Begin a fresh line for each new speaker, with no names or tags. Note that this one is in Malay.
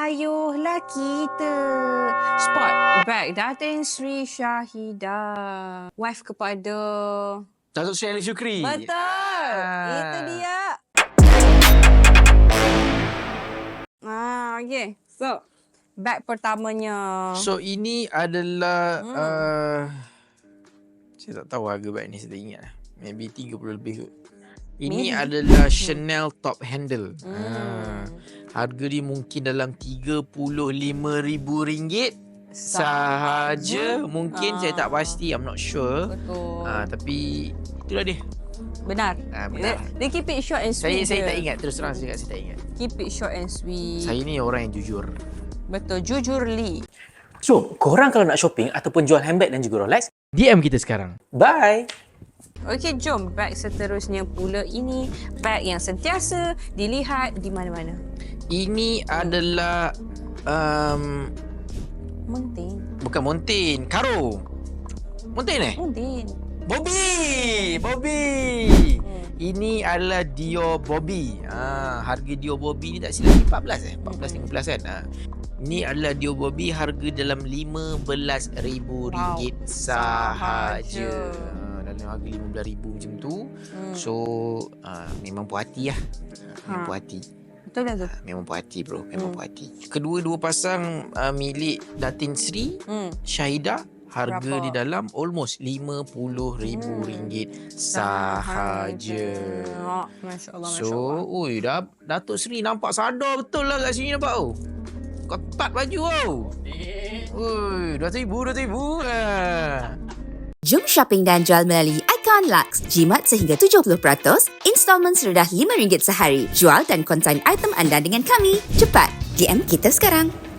ayuhlah kita. Spot bag Datin Sri Syahidah, wife kepada
Datuk Seri Ali Shukri.
betul. Itu dia. Okay. So, bag pertamanya.
So ini adalah saya tak tahu harga bag ni, saya tak ingat lah. Maybe 30 lebih kot. Ini adalah Chanel top handle. Harga dia mungkin dalam RM35,000 sahaja. Mungkin saya tak pasti, I'm not sure.
Betul.
Tapi itulah dia.
Benar.
Benar.
Dia keep it short and sweet.
Saya tak ingat, terus terang saya tak ingat.
Keep it short and sweet.
Saya ni orang yang jujur.
Betul, jujur Li.
So, korang kalau nak shopping ataupun jual handbag dan juga Rolex,
DM kita sekarang.
bye!
Okey, jom bag seterusnya pula. Ini bag yang sentiasa dilihat di mana-mana.
Ini adalah
Montin.
bukan Montin, Karo. Montin
Montin.
Bobby. Ini adalah Dior Bobby. Harga Dior Bobby ni tak silap 14 14-15 kan. Ini adalah Dior Bobby, harga dalam RM15,000 sahaja. Dalam harga RM15,000 macam tu. So memang puas hati lah. Memang puas hati.
Betul lah tu.
Memang puas hati bro, memang puas hati. Kedua-dua pasang milik Datin Sri Syahidah, harga
Berapa?
di dalam almost RM50,000 sahaja.
Masya Allah, Masya
So,
Allah.
Datuk Sri nampak sadar betul lah kat sini nampak tu. Ketat baju tau. RM2,000.
Jom shopping dan jual melalui Icon Lux. Jimat sehingga 70%, installment serendah RM5 sehari. Jual dan konsign item anda dengan kami. Cepat, DM kita sekarang.